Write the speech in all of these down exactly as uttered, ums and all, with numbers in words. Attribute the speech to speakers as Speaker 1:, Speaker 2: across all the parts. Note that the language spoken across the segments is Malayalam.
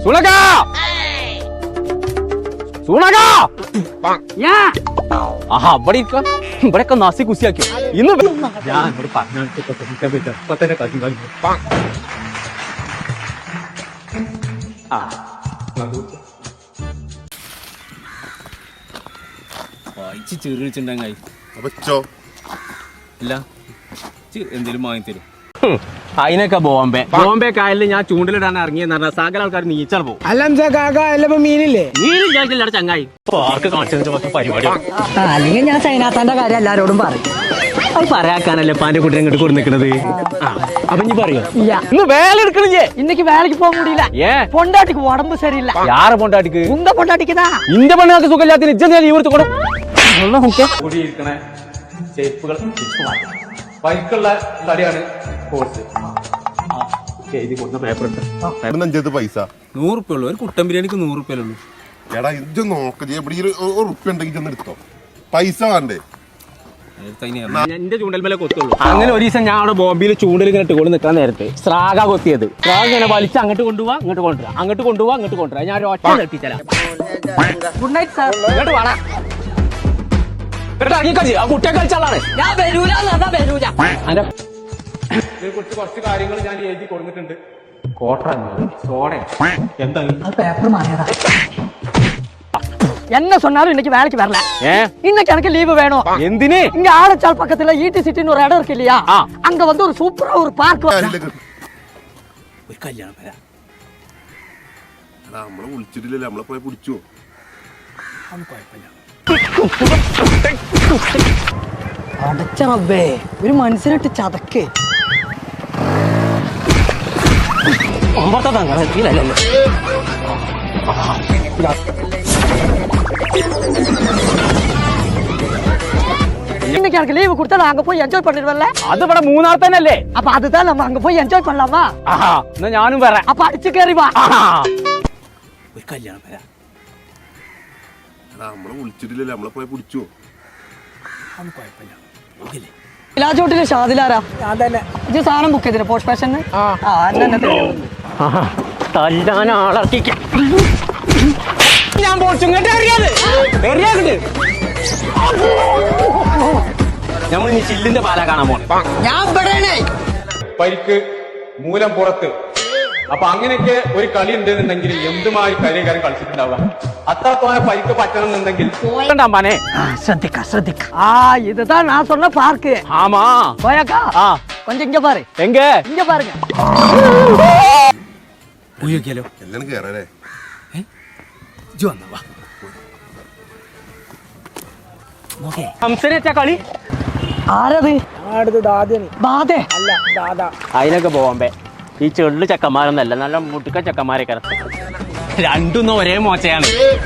Speaker 1: സുണക സുണക ആഹാ ഇവിടെ ഇരിക്കാം ഇവിടെയൊക്കെ നാസി കുസിയാക്കിയോ ഇന്ന് ഞാൻ ഇവിടെ വായിച്ച് ചെറിയിട്ടുണ്ടെങ്കിൽ ഇല്ല എന്തേലും വാങ്ങി തരും അതിനൊക്കെ ബോംബെ ബോംബെ കായലിൽ ഞാൻ ചൂണ്ടിലിടാൻ ഇറങ്ങിയെന്ന് പറഞ്ഞാൽ സകല ആൾക്കാർ നീച്ചാൽ പോകും.
Speaker 2: അല്ല മീനില്ലേ
Speaker 1: മീനില്ല ചങ്ങായി പാർക്ക് കാണിച്ചു പരിപാടി
Speaker 2: അല്ലെങ്കിൽ ഞാൻ സൈനാത്താന്റെ കാര്യം എല്ലാരോടും പറയും.
Speaker 1: അത് പറയാക്കാനല്ലേ പാന്റെ കുട്ടി ഇങ്ങോട്ട് കൊടുക്കുന്നത്. അപ്പൊ നീ പറയോ ഇന്ന് വേല എടുക്കണില്ലേ?
Speaker 2: ഇന്നക്ക് വേലക്ക് പോകാൻ முடியல.
Speaker 1: ഏ
Speaker 2: പൊണ്ടാട്ടിക്ക് ഉടമ്പ് ശരിയില്ല.
Speaker 1: യാറെ പൊണ്ടാട്ടിക്ക്?
Speaker 2: ഉങ്ക പൊണ്ടാട്ടിക്കുതാ.
Speaker 1: ഇന്റെ പെണ്ണുങ്ങൾക്ക് സുഖമില്ലാത്ത ഇജ്ജ ഞാൻ ലീവ് കൊടുക്കും. കൂടിയിരിക്കണേ ഷേപ്പുകൾ ബൈക്കുള്ള തടിയാണ് കോഴ്സ്.
Speaker 3: പൈസ
Speaker 1: നൂറ് റുപ്യ ഉള്ളു. ഒരു കുട്ടൻ ബിരിയാണിക്ക് നൂറ് റുപ്യ ഉള്ളു.
Speaker 3: എടാ ഇത് നോക്ക റുപ്യ ഉണ്ടെങ്കിൽ ചെന്ന് എടുത്തോ. പൈസ വേണ്ടേ?
Speaker 1: എന്റെ ചൂണ്ടൽമേലെ കൊത്തുള്ളൂ. അങ്ങനെ ഒരു ദിവസം ഞാൻ അവിടെ ബോംബെയിൽ ചൂണ്ടൽ ഇങ്ങനെ ഇട്ടുകൊണ്ട് നിൽക്കാൻ നേരത്തെ സ്രാഗ കൊത്തിയത്. സ്രാഗ ഇങ്ങനെ വലിച്ച് അങ്ങോട്ട് കൊണ്ടുപോവാ ഇങ്ങോട്ട് കൊണ്ടുവരാം, അങ്ങോട്ട് കൊണ്ടുപോവാ അങ്ങോട്ട് കൊണ്ടുവരാം. ഞാൻ ഒറ്റ നിർത്തിച്ചല്ല.
Speaker 2: Good night sir.
Speaker 1: ഇങ്ങോട്ട് വേണം കുട്ടിയെ കളിച്ചാളാണ്
Speaker 2: ഞാൻ വരൂല വരൂല.
Speaker 1: കുറിച്ച് കുറച്ച് കാര്യങ്ങൾ ഞാൻ എഴുതി കൊടുത്തിട്ടുണ്ട്. കോട്ട സോഡ എന്താ
Speaker 2: പേപ്പർ മാറിയതാ. என்ன சொன்னாலும் இன்னைக்கு வேலைக்கு வரல. இன்னைக்கு எனக்கு லீவு வேணும்.
Speaker 1: എന്തിന്?
Speaker 2: இங்க ஆரச்சால் பக்கத்துல ஈட்டி சிட்டின்னு ஒரு இடம் இருக்கு இல்லையா, அங்க வந்து ஒரு சூப்பரா ஒரு பார்க்.
Speaker 1: ഒരു കല്യാണം വരാ.
Speaker 3: നമ്മളെ വിളിച്ചിട്ടില്ലല്ലേ, നമ്മളെ പോയി പിടിച്ചോ.
Speaker 2: അടച്ച റബ്ബേ, ഒരു മനുഷ്യനിട്ട് ചതക്ക്. இன்னைக்கு எனக்கு லீவு கொடுத்தா நான் அங்க போய் என்ஜாய் பண்ணிடுவேன்ல.
Speaker 1: அது ഇവിടെ മൂന്നാർ തന്നെ അല്ലേ?
Speaker 2: அப்ப அதுதான் நம்ம அங்க போய் என்ஜாய் பண்ணலாமா?
Speaker 1: എന്നാ ഞാനും വരാം.
Speaker 2: அப்ப அடிச்சு கேറി வா.
Speaker 1: ഒരു കല്യാണം വരാ.
Speaker 3: നമ്മളെ വിളിച്ചിട്ടില്ലല്ലേ, നമ്മളെ പോയി പിടിച്ചോ.
Speaker 2: ഇലാജോട്ടിലെ ഷാദിലാരാ? ഇത് സാധനം ബുക്ക് ചെയ്തില്ല പോസ്റ്റ് ഫാഷന്.
Speaker 1: തല്ലാൻ ആളർക്കിക്കാം. ഞാൻ പോർച്ചുങ്ങട്ട് അറിയാതെ അറിയാണ്ട് നമ്മൾ ഇനി ചില്ലിന്റെ പാല കാണാൻ പോണേ.
Speaker 2: ഞാൻ
Speaker 1: പരിക്ക് മൂലം പുറത്ത്. അപ്പൊ അങ്ങനെയൊക്കെ ഒരു കളി ഉണ്ടെന്നുണ്ടെങ്കിൽ എന്തുമായി കളിക്കാരൻ കളിച്ചിട്ടുണ്ടാവുക. അത്രത്തോനെ പരിക്ക് പറ്റണമെന്നുണ്ടെങ്കിൽ
Speaker 2: ശ്രദ്ധിക്ക ശ്രദ്ധിക്ക. ആ இதுதான் நான் சொன்ன பார்க்கு.
Speaker 1: ஆமா
Speaker 2: போயக்கா. கொஞ்சம் இங்க பாரு.
Speaker 1: எங்க?
Speaker 2: இங்க பாருங்க.
Speaker 1: പോയോക്കിയാലോ?
Speaker 3: എല്ലാം കേറല്ലേ?
Speaker 1: ജോ എന്നാ വാ. ഹംസനെച്ചാ കളി
Speaker 2: ആരത്? ബാധേ അല്ല ദാദാ.
Speaker 1: അതിനൊക്കെ ബോംബെ. ഈ ചെള്ളു ചെക്കന്മാരൊന്നല്ല, നല്ല മുട്ടുക്ക ചെക്കന്മാരൊക്കെ. രണ്ടൊന്നും ഒരേ മോശയാണ്.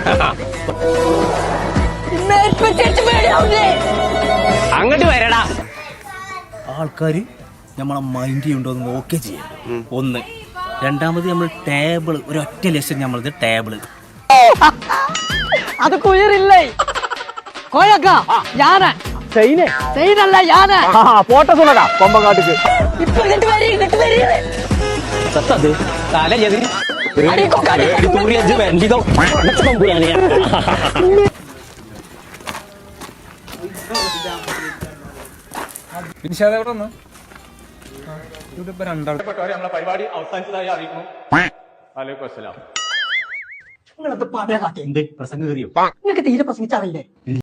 Speaker 1: അങ്ങോട്ട് വരടാ. ആൾക്കാര് നമ്മളെ മൈൻഡ് ചെയ്യുന്നുണ്ടോ എന്ന് നോക്കി ചെയ്യാം. ഒന്ന് രണ്ടാമത് നമ്മൾ ടേബിൾ ഒരൊറ്റ ലക്ഷം നമ്മളത് ടേബിള്.
Speaker 2: അത് കുയറില്ലേ കോയക്ക? ഞാന്
Speaker 1: സെയിനെ
Speaker 2: സെയിനല്ല ഞാന്.
Speaker 1: ഫോട്ടോ സുണക കൊമ്പങ്കാട്ടിക്ക്
Speaker 2: ഇപ്പൊ ഇങ്ങോട്ട് വരി ഇങ്ങോട്ട് വരി.
Speaker 1: സത്തത് തല എതിരി വരണ്ടിതോ തമ്പുരാനെ. നമ്മളെ പരിപാടി അവസാനിച്ചതായി അറിയിക്കുന്നു. വലൈക്കും അസ്സലാം.
Speaker 2: നിങ്ങളത് പറയാ.
Speaker 1: എന്ത് പ്രസംഗം കയറിയോ?
Speaker 2: നിങ്ങൾക്ക് തീരെ പ്രസംഗിച്ചറിയില്ലേ?